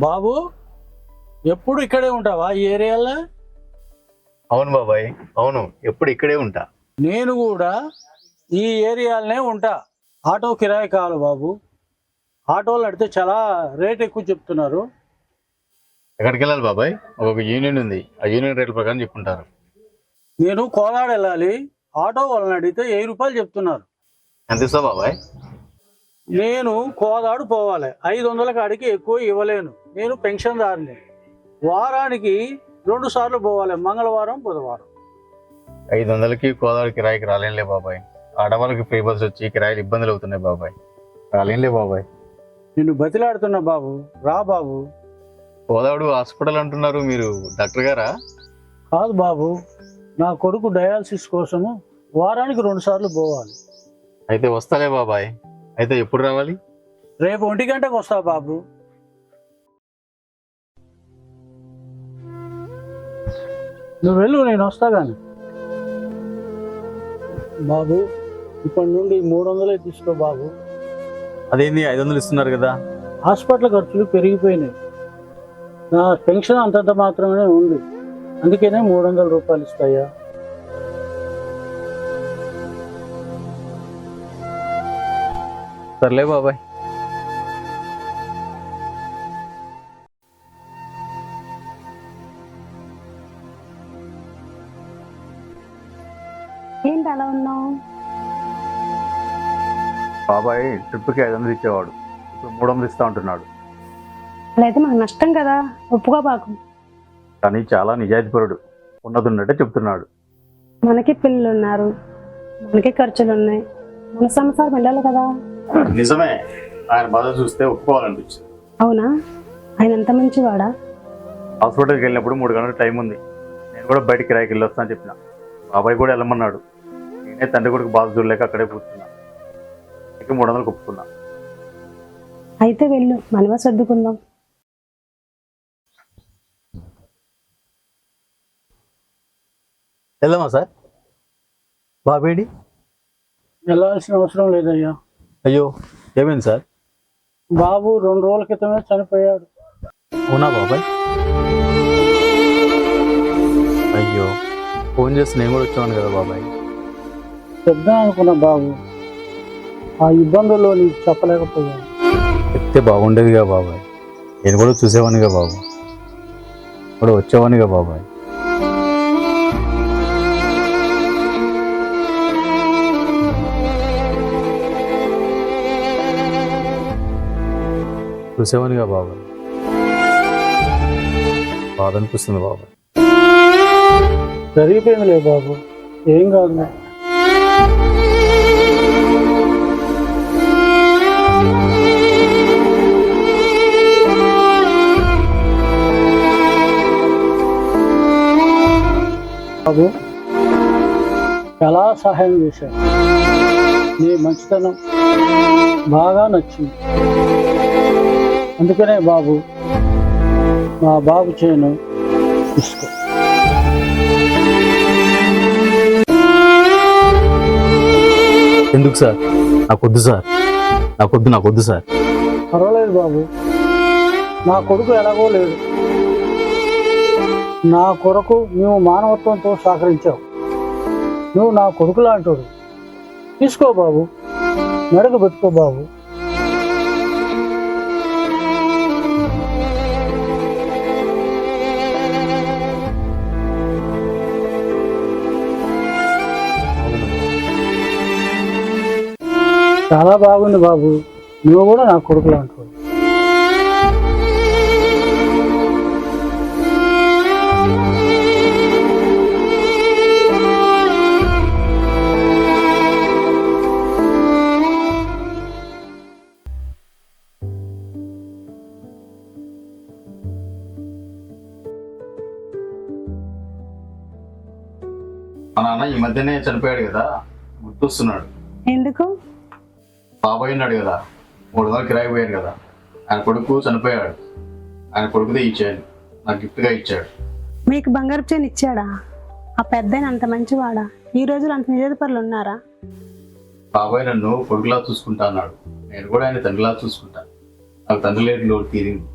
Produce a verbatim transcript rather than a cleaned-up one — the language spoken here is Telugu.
బాబు ఎప్పుడు ఇక్కడే ఉంటావా ఈ ఏరియాలో? అవును బాబాయ్, అవును, ఎప్పుడు ఇక్కడే ఉంటా. నేను కూడా ఈ ఏరియాలోనే ఉంటా. ఆటో కిరాయి కావాలి బాబు. ఆటోలు అడితే చాలా రేట్ ఎక్కువ చెప్తున్నారు. ఎక్కడికి వెళ్ళాలి బాబాయ్? ఒక యూనియన్ ఉంది, ఆ యూనియన్ రేట్ల ప్రకారం చెప్పుకుంటారు. నేను కోదాడ వెళ్ళాలి. ఆటో వాళ్ళని అడిగితే వెయ్యి రూపాయలు చెప్తున్నారు. ఎంత ఇస్తావు బాబాయ్? నేను కోదాడు పోవాలి, ఐదు వందల కాడికి ఎక్కువ ఇవ్వలేను. నేను పెన్షన్దారుని. వారానికి రెండు సార్లు పోవాలి, మంగళవారం బుధవారం. ఐదు వందలకి కోదాడు కిరాయికి రాలేనులే బాబాయ్. ఆడవాళ్ళకి ఫ్రీ బస్ వచ్చి కిరాయిలు ఇబ్బందులు అవుతున్నాయి బాబాయ్, రాలేనులే బాబాయ్. నిన్ను బతిలాడుతున్నా బాబు, రా బాబు. కోదాడు హాస్పిటల్ అంటున్నారు, మీరు డాక్టర్ గారా? కాదు బాబు, నా కొడుకు డయాలసిస్ కోసము వారానికి రెండు సార్లు పోవాలి. అయితే వస్తాలే బాబాయ్. అయితే ఎప్పుడు రావాలి? రేపు ఒంటి గంటకు వస్తా బాబు. నువ్వు వెళ్ళు, నేను వస్తా కానీ. బాబు ఇప్పటి నుండి మూడు వందలే తీసుకో బాబు. అదేంది ఐదు వందలు ఇస్తున్నారు కదా? హాస్పిటల్ ఖర్చులు పెరిగిపోయినాయి. నా పెన్షన్ అంతంత మాత్రమే ఉంది, అందుకనే మూడు వందల రూపాయలు ఇస్తాయా. సర్లే బాబాయ్. ఏంటి అలా ఉన్నావు? బాబాయ్ ట్రిప్కి ఐదు వందలు ఇచ్చేవాడు, ఇప్పుడు మూడు వందలు ఇస్తా ఉంటున్నాడు. అలా అయితే మనకు నష్టం కదా, ఒప్పుకోబాకు. కానీ చాలా నిజాయితీపరుడు, ఉన్నది ఉన్నట్టే చెప్తున్నాడు. మనకి పిల్లలు ఉన్నారు, మనకి ఖర్చులు ఉన్నాయి, మన సంసారం వెళ్ళాలి కదా. నిజమే, ఆయన బాధ చూస్తే ఒప్పుకోవాలనిపించింది. అవునా? ఆయన ఎంత మంచివాడా? హాస్పిటల్కి వెళ్ళినప్పుడు మూడు గంటల టైం ఉంది, నేను కూడా బయటికి కిరాయికి వెళ్ళి వస్తాను చెప్పిన. బాబాయ్ కూడా వెళ్ళమన్నాడు. నేనే తండ్రి కొడుకు బాధ చూడలేక అక్కడే కూర్చున్నా. ఇక మూడు వందలు ఒప్పుకున్నా. అయితే వెళ్ళు, మనమే సర్దుకుందాం. వెళ్దామా సార్? బాబేడి? వెళ్ళాల్సిన అవసరం లేదయ్యా. అయ్యో, ఏమైంది సార్? బాబు రెండు రోజుల క్రితమే చనిపోయాడు. అవునా బాబాయ్? అయ్యో, ఫోన్ చేసి నేను కూడా వచ్చాను కదా బాబాయ్. చెప్దాం అనుకున్నా బాబు, ఆ ఇబ్బందుల్లో నీకు చెప్పలేకపోయాను. చెప్తే బాగుండేదిగా బాబాయ్, నేను కూడా చూసేవానిగా బాబు, కూడా వచ్చేవానిగా బాబాయ్. చూసేవానిగా బాబాయ్, బాధ అనిపిస్తుంది బాబాయ్. జరిగిపోయిందిలే బాబు, ఏం కాదు. బాబు చాలా సహాయం చేశావు, నీ మంచితనం బాగా నచ్చింది. అందుకనే బాబు మా బాబు చేయను తీసుకో. ఎందుకు సార్? నాకొద్దు సార్, నాకొద్దు నాకొద్దు సార్. పర్వాలేదు బాబు, నా కొడుకు ఎలాగో లేడు. నా కొరకు నువ్వు మానవత్వంతో సహకరించావు. నువ్వు నా కొడుకు లాంటోడు. తీసుకో బాబు, మెడకు పెట్టుకో బాబు. చాలా బాగుంది బాబు, నువ్వు కూడా నా కొడుకు లాంటోడు. మా నాన్న ఈ మధ్యనే చనిపోయాడు కదా, గుర్తొస్తున్నాడు. ఎందుకు? బాబాయ్ ఉన్నాడు కదా, మూడు వందలు కిరాయి పోయాడు కదా, ఆయన కొడుకు చనిపోయాడు. ఆయన కొడుకుదే ఇచ్చాడు, నాకు గిఫ్ట్గా ఇచ్చాడు. మీకు బంగారు చైన్ ఇచ్చాడా? ఆ పెద్దాయన అంత మంచివాడా? ఈ రోజులు అంత నిజాయితీపరులు ఉన్నారా? బాబాయ్ నన్ను కొడుకులా చూసుకుంటా అన్నాడు, నేను కూడా ఆయన తండ్రిలా చూసుకుంటా. నాకు తండ్రి లేని లోటు తీరింది.